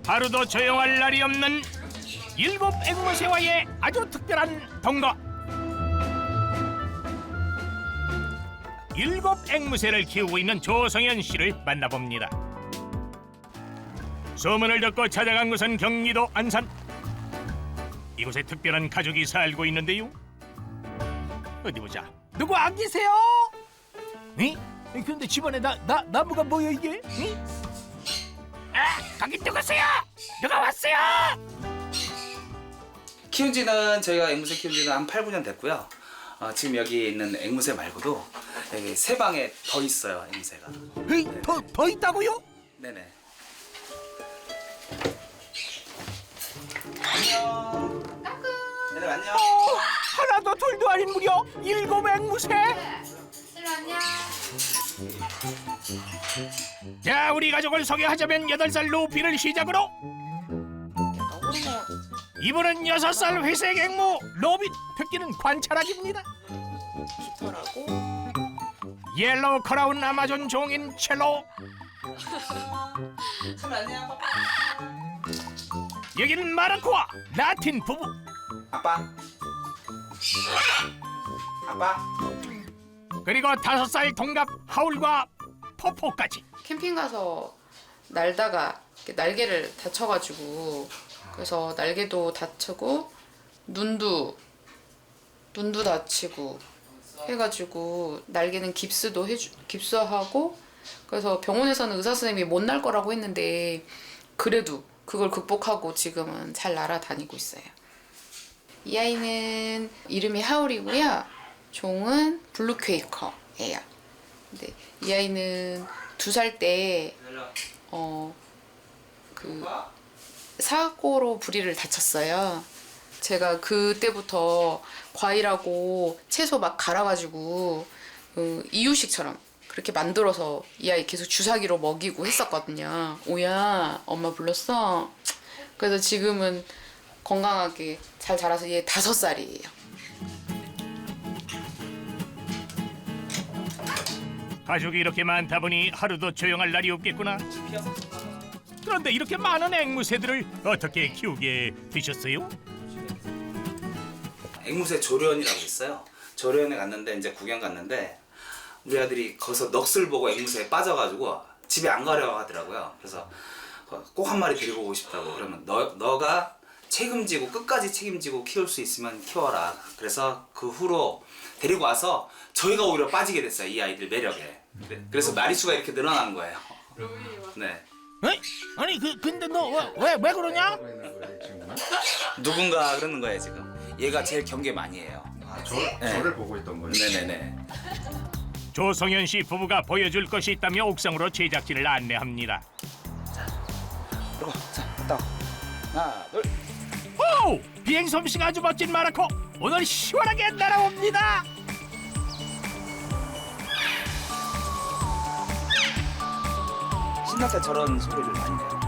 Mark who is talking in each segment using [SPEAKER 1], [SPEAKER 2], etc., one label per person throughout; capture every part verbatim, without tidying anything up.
[SPEAKER 1] 하루도 조용할 날이 없는 일곱 앵무새와의 아주 특별한 동거. 일곱 앵무새를 키우고 있는 조성현 씨를 만나봅니다. 소문을 듣고 찾아간 곳은 경기도 안산. 이곳에 특별한 가족이 살고 있는데요. 어디 보자. 누구 안 계세요? 응? 근데 집안에 나, 나, 나무가 뭐야 이게? 응? 아, 거기 누구세요? 누가 왔어요?
[SPEAKER 2] 키운 지는 저희가 앵무새 키운 지는 한 팔, 구 년 됐고요. 어, 지금 여기 있는 앵무새 말고도 여기 세 방에 더 있어요, 앵무새가.
[SPEAKER 1] 에이, 더, 더 있다고요?
[SPEAKER 2] 네네. 안녕. 얘들 안녕.
[SPEAKER 1] 어, 하나도 둘도 아닌 무려 일곱 앵무새.
[SPEAKER 3] 일로 안녕.
[SPEAKER 1] 자, 우리 가족을 소개하자면 여덟 살 루피를 시작으로 이분은 여섯 살 회색 앵무 로빗. 특기는 관찰하기입니다. 옐로우 크라운 아마존 종인 첼로.
[SPEAKER 2] 참 안녕.
[SPEAKER 1] 여기는 마르코와 라틴 부부.
[SPEAKER 2] 아빠. 아빠.
[SPEAKER 1] 그리고 다섯 살 동갑 하울과 포포까지.
[SPEAKER 3] 캠핑 가서 날다가 이렇게 날개를 다쳐가지고 그래서 날개도 다치고 눈도 눈도 다치고 해가지고 날개는 깁스도 해주 깁스하고 그래서 병원에서는 의사 선생님이 못 날 거라고 했는데 그래도 그걸 극복하고 지금은 잘 날아다니고 있어요. 이 아이는 이름이 하울이고요. 종은 블루퀘이커예요. 근데 이 아이는 두 살 때 어 그 사고로 부리를 다쳤어요. 제가 그때부터 과일하고 채소 막 갈아가지고 그 이유식처럼 그렇게 만들어서 이 아이 계속 주사기로 먹이고 했었거든요. 오야, 엄마 불렀어? 그래서 지금은 건강하게 잘 자라서 얘 다섯 살이에요.
[SPEAKER 1] 가족이 이렇게 많다 보니 하루도 조용할 날이 없겠구나. 그런데 이렇게 많은 앵무새들을 어떻게 키우게 되셨어요?
[SPEAKER 2] 앵무새 조련이라고 있어요. 조련에 갔는데 이제 구경 갔는데 우리 아들이 거기서 넋을 보고 앵무새에 빠져가지고 집에 안 가려고 하더라고요. 그래서 꼭 한 마리 데리고 오고 싶다고. 그러면 너, 너가 책임지고 끝까지 책임지고 키울 수 있으면 키워라. 그래서 그 후로 데리고 와서 저희가 오히려 빠지게 됐어요. 이 아이들 매력에. 그래서 마리수가 이렇게 늘어난 거예요. 네.
[SPEAKER 1] 에이? 아니 그 근데 너 왜 왜 그러냐?
[SPEAKER 2] 누군가 그러는 거예요 지금. 얘가 제일 경계 많이 해요.
[SPEAKER 4] 아, 저,
[SPEAKER 2] 네.
[SPEAKER 4] 저를 보고 있던 거예요?
[SPEAKER 2] 네네네.
[SPEAKER 1] 조성현 씨 부부가 보여줄 것이 있다며 옥상으로 제작진을 안내합니다.
[SPEAKER 2] 그리고 자, 딱 하나, 둘.
[SPEAKER 1] 오! 비행 솜씨가 아주 멋진 마르코. 오늘 시원하게 날아옵니다.
[SPEAKER 2] 신날 때 저런 소리를 많이 내요.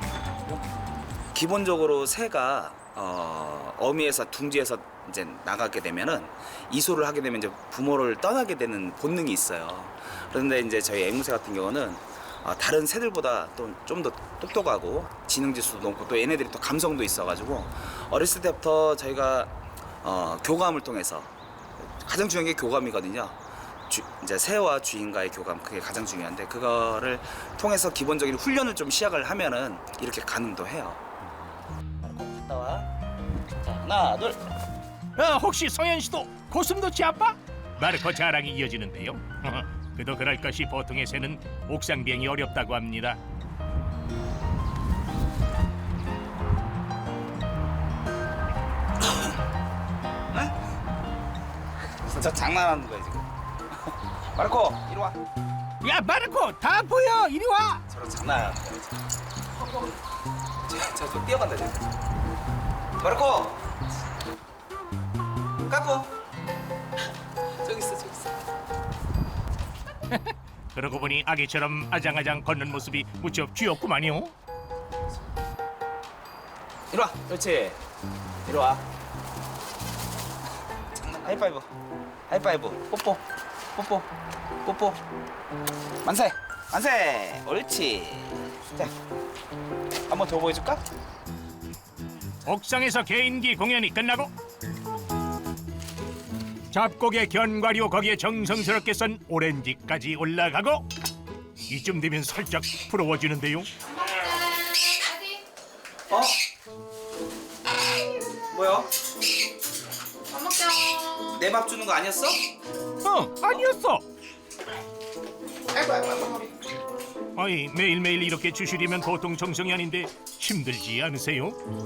[SPEAKER 2] 기본적으로 새가 어, 어미에서 둥지에서 이제 나가게 되면은 이소를 하게 되면 이제 부모를 떠나게 되는 본능이 있어요. 그런데 이제 저희 앵무새 같은 경우는 어, 다른 새들보다 또 좀 더 똑똑하고 지능 지수도 높고 또 얘네들이 또 감성도 있어가지고 어렸을 때부터 저희가 어, 교감을 통해서 가장 중요한 게 교감이거든요. 주, 이제 새와 주인과의 교감 그게 가장 중요한데 그거를 통해서 기본적인 훈련을 좀 시작을 하면은 이렇게 가늠도 해요. 갔다 와. 자 하나 둘.
[SPEAKER 1] 어, 혹시 성현 씨도 고슴도치 아빠? 마르코 자랑이 이어지는데요. 그도 그럴 것이 보통의 새는 옥상 비행이 어렵다고 합니다.
[SPEAKER 2] 저 장난하는 거예요 지금. 마르코 이리 와.
[SPEAKER 1] 야 마르코 다 보여 이리 와.
[SPEAKER 2] 저런 장난하는 거예요 지금. 저저 뛰어간다 지금. 마르코. 까꾸. 저기 있어 저기 있어.
[SPEAKER 1] 그러고 보니 아기처럼 아장아장 걷는 모습이 무척 귀엽구만요.
[SPEAKER 2] 이리 와. 그렇지. 이리 와. 하이파이브. 하이파이브. 뽀뽀. 뽀뽀. 뽀뽀. 만세. 만세. 옳지. 자. 한번 더 보여줄까?
[SPEAKER 1] 옥상에서 개인기 공연이 끝나고 잡곡의 견과류 거기에 정성스럽게 썬 오렌지까지 올라가고 이쯤 되면 살짝 부러워지는데요.
[SPEAKER 2] 어? 뭐야?
[SPEAKER 3] 밥 먹자.
[SPEAKER 2] 내 밥 주는 거 아니었어?
[SPEAKER 1] 어, 아니었어.
[SPEAKER 3] 아이고 아이고 아이고.
[SPEAKER 1] 아이, 매일매일 이렇게 주시려면 보통 정성이 아닌데 힘들지 않으세요?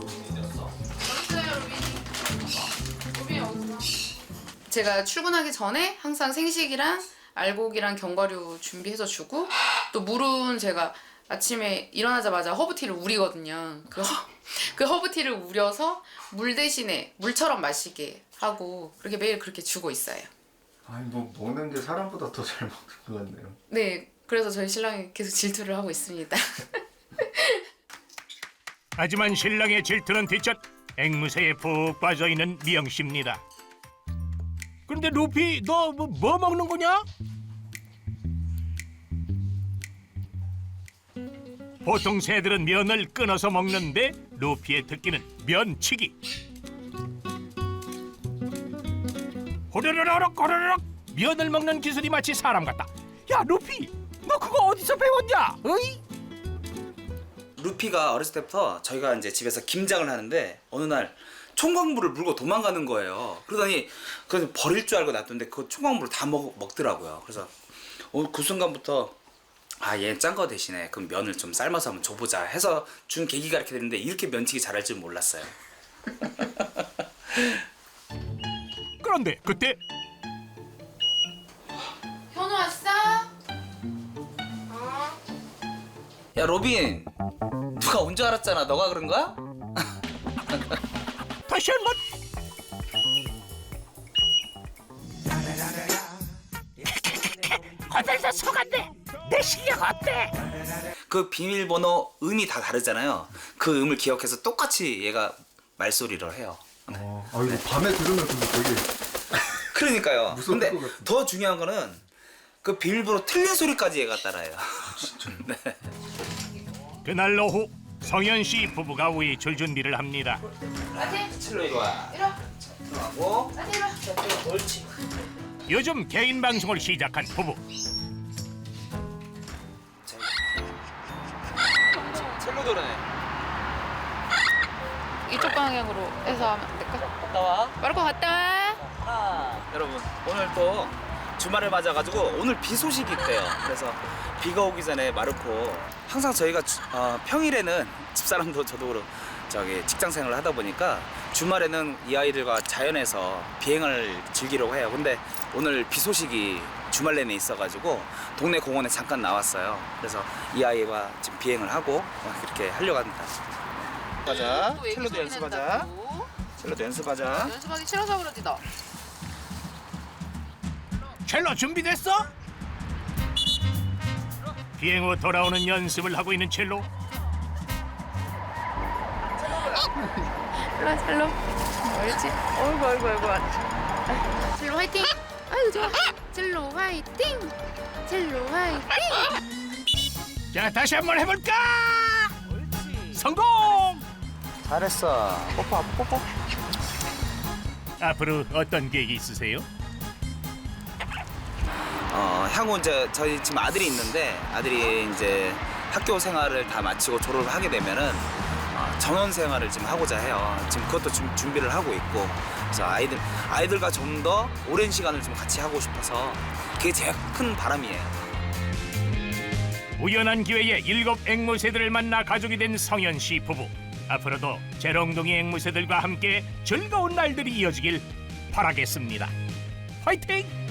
[SPEAKER 3] 제가 출근하기 전에 항상 생식이랑 알곡이랑 견과류 준비해서 주고 또 물은 제가 아침에 일어나자마자 허브티를 우리거든요. 그, 허, 그 허브티를 우려서 물 대신에 물처럼 마시게 하고 그렇게 매일 그렇게 주고 있어요.
[SPEAKER 4] 아니 뭐 먹는 게 사람보다 더 잘 먹는 것 같네요.
[SPEAKER 3] 네, 그래서 저희 신랑이 계속 질투를 하고 있습니다.
[SPEAKER 1] 하지만 신랑의 질투는 뒷전 앵무새에 푹 빠져있는 미영씨입니다. 그런데 루피 너 뭐 뭐 먹는 거냐? 보통 새들은 면을 끊어서 먹는데 루피의 특기는 면치기. 호로로록 호로로록 면을 먹는 기술이 마치 사람 같다. 야 루피 너 그거 어디서 배웠냐? 어이?
[SPEAKER 2] 루피가 어렸을 때부터 저희가 이제 집에서 김장을 하는데 어느 날 총각물을 물고 도망가는 거예요. 그러더니 그래서 버릴 줄 알고 놔뒀는데 그 총각물을 다 먹, 먹더라고요. 그래서 어, 그 순간부터 아, 얘 짠 거 대신에 그럼 면을 좀 삶아서 한번 줘보자 해서 준 계기가 이렇게 됐는데 이렇게 면치기 잘할 줄 몰랐어요.
[SPEAKER 1] 그런데 그때
[SPEAKER 3] 현우 왔어?
[SPEAKER 2] 야 로빈, 누가 온 줄 알았잖아. 너가 그런 거야?
[SPEAKER 1] 다시 한번 거들서 속았네. 내 실력 어때?
[SPEAKER 2] 그 비밀번호 음이 다 다르잖아요. 그 음을 기억해서 똑같이 얘가 말소리를 해요.
[SPEAKER 4] 어, 아 이거 밤에 들으면 근데 되게
[SPEAKER 2] 그러니까요.
[SPEAKER 4] 무서울
[SPEAKER 2] 근데
[SPEAKER 4] 것 같은데.
[SPEAKER 2] 더 중요한 거는 그 비밀번호 틀린 소리까지 얘가 따라해요.
[SPEAKER 4] 진짜요?
[SPEAKER 2] 네.
[SPEAKER 1] 그날 오후 성현 씨 부부가 외출 준비를 합니다.
[SPEAKER 3] 아들,
[SPEAKER 2] 칠로 이리 와.
[SPEAKER 3] 이리 와.
[SPEAKER 2] 들어가고.
[SPEAKER 3] 아들, 이리 와.
[SPEAKER 2] 옳지.
[SPEAKER 1] 요즘 개인 방송을 시작한 부부.
[SPEAKER 2] 첼로 도르네.
[SPEAKER 3] 이쪽 방향으로 해서 하면 안 될까?
[SPEAKER 2] 갔다 와.
[SPEAKER 3] 빠르고 갔다 와.
[SPEAKER 2] 아, 여러분 오늘 또 주말을 맞아가지고 오늘 비 소식이 있대요. 그래서 비가 오기 전에 마르코 항상 저희가 주- 어, 평일에는 집사람도 저도 그렇고 저기 직장 생활을 하다 보니까 주말에는 이 아이들과 자연에서 비행을 즐기려고 해요. 근데 오늘 비 소식이 주말 내내 있어가지고 동네 공원에 잠깐 나왔어요. 그래서 이 아이와 지금 비행을 하고 어, 이렇게 하려고 합니다. 가자. 첼로도 연습하자. 첼로도 연습하자.
[SPEAKER 3] 연습하기 싫어서 그러지 너.
[SPEAKER 1] 첼로 준비됐어? 비행 후 돌아오는 연습을 하고 있는 첼로.
[SPEAKER 3] 일로 와, 첼로. 옳지. 어이구, 어이구, 어이구. 첼로 화이팅! 아유, 좋아. 첼로 화이팅! 첼로 화이팅!
[SPEAKER 1] 자 다시 한번 해볼까? 성공!
[SPEAKER 2] 잘했어. 뽀뽀 뽀뽀.
[SPEAKER 1] 앞으로 어떤 계획이 있으세요?
[SPEAKER 2] 어, 향후 이제 저희 지금 아들이 있는데 아들이 이제 학교 생활을 다 마치고 졸업을 하게 되면은 어, 전원 생활을 지금 하고자 해요. 지금 그것도 좀 준비를 하고 있고 그래서 아이들 아이들과 좀 더 오랜 시간을 좀 같이 하고 싶어서 그게 제일 큰 바람이에요.
[SPEAKER 1] 우연한 기회에 일곱 앵무새들을 만나 가족이 된 성현 씨 부부. 앞으로도 재롱둥이 앵무새들과 함께 즐거운 날들이 이어지길 바라겠습니다. 화이팅!